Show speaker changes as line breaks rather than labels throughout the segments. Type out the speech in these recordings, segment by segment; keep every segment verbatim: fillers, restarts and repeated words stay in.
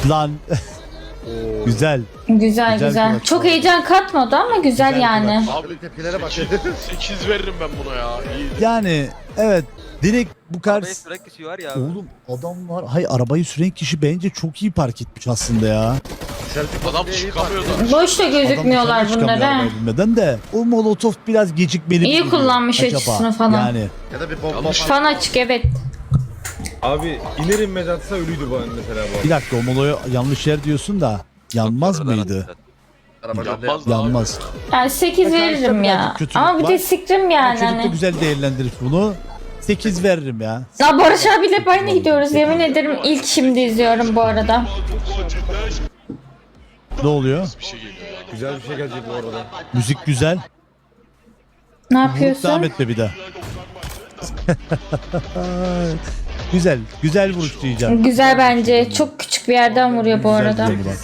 Lan. Güzel.
Güzel
Güzel
güzel.
kulaç
Çok
var.
heyecan katmadı ama güzel,
Güzel
yani.
Abi tepkilere bak.
sekiz veririm ben buna ya. İyi.
Yani evet direkt bu kadar.
Arabayı süren kişi var ya abi.
Oğlum adamlar hay arabayı süren kişi bence çok iyi park etmiş aslında ya.
Adam çıkamıyor da.
Boş da gözükmüyorlar
Adam dışarı çıkamıyor
bunlara.
arabayı binmeden de o molotof biraz gecikmeli.
İyi
mi
kullanmış
acaba?
açısını falan.
Yani
Ya da bir bomba
Yanlış.
Fan açık, evet.
Abi iner inmez atsa ölüydü bu mesela bu.
bir dakika o moloya yanlış yer diyorsun da yanmaz
Sonradan
mıydı?
attılar.
araba
Yanmaz da
Yanmaz.
Yani sekiz
Arkadaşlar
veririm ya.
birazcık kötülük
Ama bir
var.
de sikrim
Yani
yani.
çocuk da
Hani.
güzel değerlendirir bunu. sekiz veririm ya.
Ya Barış abiyle hep aynı gidiyoruz. Yemin ederim ilk şimdi izliyorum bu arada.
Ne oluyor?
Bir şey geliyor yani.
Güzel bir şey gelecek bu arada.
Müzik güzel.
Ne
Vurup devam
yapıyorsun?
etme bir daha. Güzel. Güzel vuruş diyeceğim.
Güzel bence. Çok küçük bir yerden vuruyor bu
Güzel
arada.
diyeceğim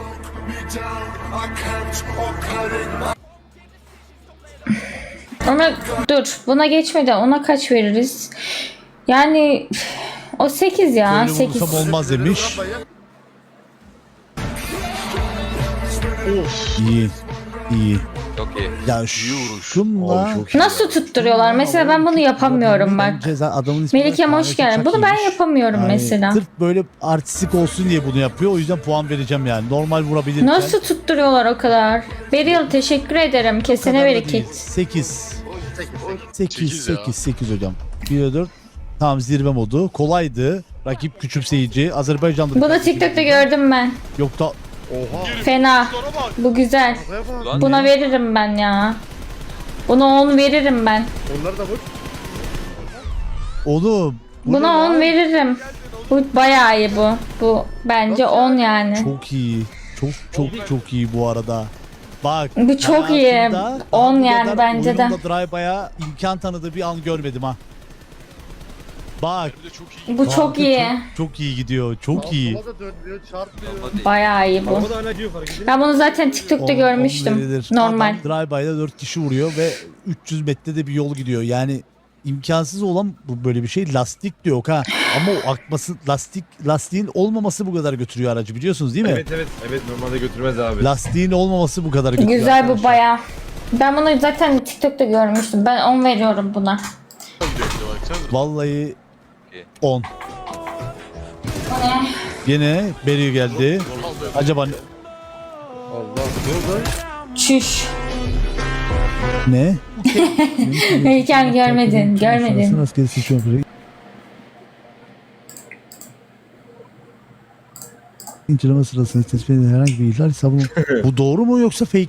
Ona dur. Buna geçmeden ona kaç veririz? Yani o sekiz ya.
Böyle
sekiz.
vurursam olmaz demiş. İyi. İyi.
Çok iyi.
Ya şunla
Nasıl tutturuyorlar? Mesela ben bunu yapamıyorum bak.
Ceza adamın ismi
Melikem hoş geldin. Bunu ben yapamıyorum
Yani
mesela.
Sırf böyle artistik olsun diye bunu yapıyor. O yüzden puan vereceğim yani. Normal vurabilirken.
Nasıl tutturuyorlar o kadar? Beril teşekkür ederim. Kesene bereket.
sekiz. sekiz.
Sekiz ya.
sekiz. sekiz hocam. bir dört. Tamam zirve modu. Kolaydı. Rakip küçümseyici. Azerbaycanlı.
Bunu TikTok'ta gördüm ben.
Yok da
Oha.
Fena.
Sonra bak.
Bu güzel.
Arabaya bak.
Lan
Buna veririm ben ya. Buna on veririm ben.
Onları da vur.
oğlum. bu ne
Buna
lan?
on veririm. Bu bayağı iyi bu. Bu bence on yani.
Çok iyi. Çok çok çok iyi bu arada. Bak.
Bu çok iyi.
hayatımda
On
bu
yani
kadar
bence de.
oyunla Drive'a imkan tanıdığı bir an görmedim ha. Bak.
Bir de çok iyi.
Bu
kanka
çok iyi.
Çok, çok iyi gidiyor. Çok iyi.
Sola da dönmüyor, çarpmıyor.
Bayağı iyi bu.
Araba da hala gidiyor fark edin.
Ben bunu zaten TikTok'ta
On- on
görmüştüm.
verilir.
Normal.
Adam drive-by'da dört kişi vuruyor ve üç yüz metrede bir yol gidiyor. Yani imkansız olan bu böyle bir şey. Lastik diyor ha. Ama o akması lastik lastiğin olmaması bu kadar götürüyor aracı biliyorsunuz değil mi?
Evet evet evet normalde götürmez abi.
Lastiğin olmaması bu kadar götürüyor.
Güzel bu
arkadaşlar.
bayağı. Ben bunu zaten TikTok'ta görmüştüm. Ben on veriyorum buna.
Vallahi on. Yine Beri geldi. Acaba ne?
Allah ne oldu?
Çüş.
ne?
Heykel görmedin. Görmedin.
Rastgele seçiyorum. İnceleme sırasında tespit edilen herhangi bir ihlal hesabını... Bu doğru mu yoksa fake?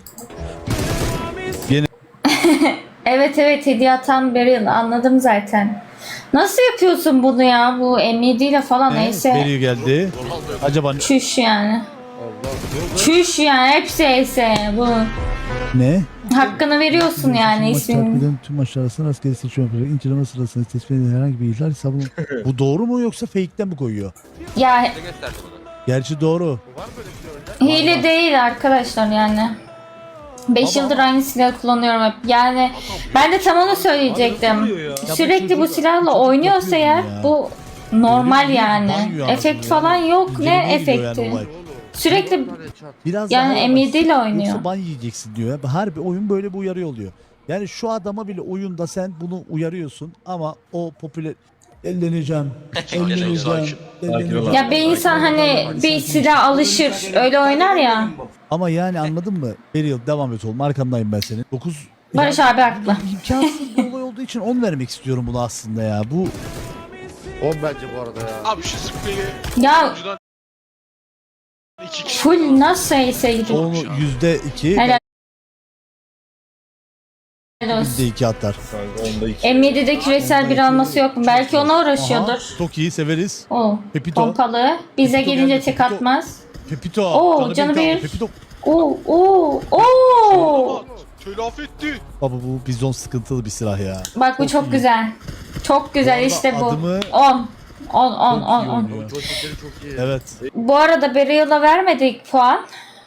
Evet evet hediye atan Beril anladım zaten. Nasıl yapıyorsun bunu ya? Bu M yedi ile falan neyse.
Beri geldi. Acaba ne?
Çüş yani.
Allah ne oldu?
Çüş yani hepsi ese bu.
ne?
Hakkını veriyorsun yani
Maç takip
isminin.
eden tüm maçlar arasında rastgele seçiyorum. İnceleme sırasında tespit edilen herhangi bir ihlal hesabını... Bu doğru mu yoksa fake'ten mi koyuyor?
Ya
Ne gösterdi bunu?
Gerçi doğru.
Var mı öyle bir şey önde?
hile değil arkadaşlar yani. beş yıldır aynı silahı kullanıyorum hep. Yani ben de tam onu söyleyecektim. Sürekli bu silahla oynuyorsa eğer bu normal yani. Efekt falan yok. Ne
İncelemeye gidiyor
efekti?
yani olay.
Sürekli
Tane çarp.
Biraz
yani
daha
M yedi ile
Yoksa
oynuyor.
ban yiyeceksin diyor. Ya. Harbi oyun böyle bir uyarı oluyor. Yani şu adama bile oyunda sen bunu uyarıyorsun ama o popüler elleneceğim, elleneceğim,
Sakin.
elleneceğim.
Ya bir insan hani bir silah alışır öyle oynar ya.
Ama yani anladın mı? Beril devam et oğlum arkandayım ben senin. dokuz
Barış abi haklı.
imkansız bir olay olduğu için on vermek istiyorum bunu aslında ya. Bu
on bence bu arada ya.
Abi şu spreyi.
Ya
Önceden iki kişi.
full nasıl ese gidiyor.
onu yüzde iki,
Helal
yüzde
olsun.
iki atar.
Kanka onda iki.
M yedide küresel bir alması yok mu? Belki ona
Aha,
uğraşıyordur.
çok iyi severiz.
O
Pepito.
pompalı. Bize
Pepito
gelince
geldi,
tek
Pepito.
atmaz.
Pepito.
Oo, canı
benim kaldı.
bir.
Pepito.
Oo oo oo.
Telafi etti.
Baba bu bizon sıkıntılı bir silah ya.
Bak bu çok güzel. Çok güzel
Bu arada
işte bu.
adımı
on. on on
çok
on
iyi
on.
oynuyor.
Joystickleri çok iyi.
Evet.
Bu arada Beryl'a vermedik puan.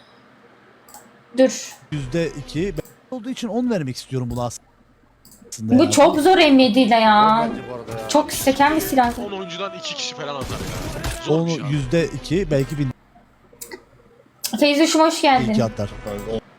Dur.
yüzde iki. Ben olduğu için on vermek istiyorum buna aslında.
Bu
ya.
çok zor M yedi ile
on
ya.
bence bu arada ya.
Çok seken bir silah.
on oyuncudan iki kişi falan atar ya. Zor
Onu
bir şey abi.
yüzde iki belki bin.
Feyzuş'um hoş
İyi
geldin.
ki atlar.
Kanka, o-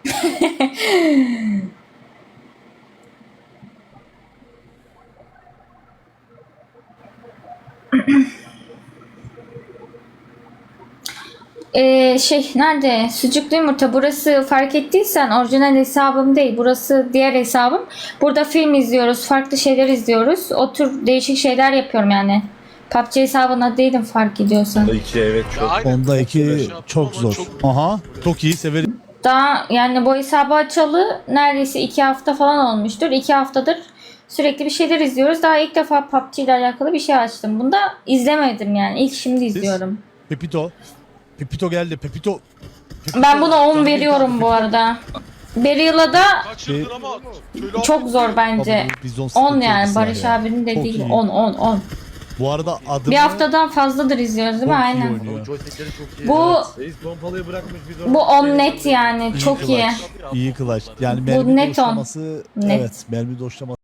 Ee, şey nerede? Sucuklu yumurta. Burası fark ettiysen orijinal hesabım değil. Burası diğer hesabım. Burada film izliyoruz. Farklı şeyler izliyoruz. O tür değişik şeyler yapıyorum yani. P U B G hesabına değilim fark ediyorsan.
Onda iki evet
Ya
çok.
aynen.
Onda iki
Şey yaptım
çok
ama
zor.
çok-
Aha çok iyi severim.
Daha yani bu hesabı açalı neredeyse iki hafta falan olmuştur. İki haftadır sürekli bir şeyler izliyoruz. Daha ilk defa P U B G ile alakalı bir şey açtım. Bunu da izlemedim yani. İlk şimdi izliyorum.
Pepito. Pepito geldi. Pepito. Pepito.
Ben buna on
Canım
veriyorum
bir
bu
tane
arada. Beryl'a da
Kaç yıldır ama şöyle
çok zor bence.
Pepito. Bizon
on
sıkıntı
yani
yedisi
Barış
var ya.
abinin
Çok
dediği
iyi.
on on on.
Bu arada adımı
Bir haftadan fazladır izliyoruz değil mi?
çok iyi
Aynen.
oynuyor.
O joystickleri çok iyi.
Bu
Reis pompalıyı bırakmış biz onu.
bu on net yani.
İyi
Çok iyi.
clutch. İyi clutch. Yani mermi
net on.
doşlaması
Net.
evet mermi doşlaması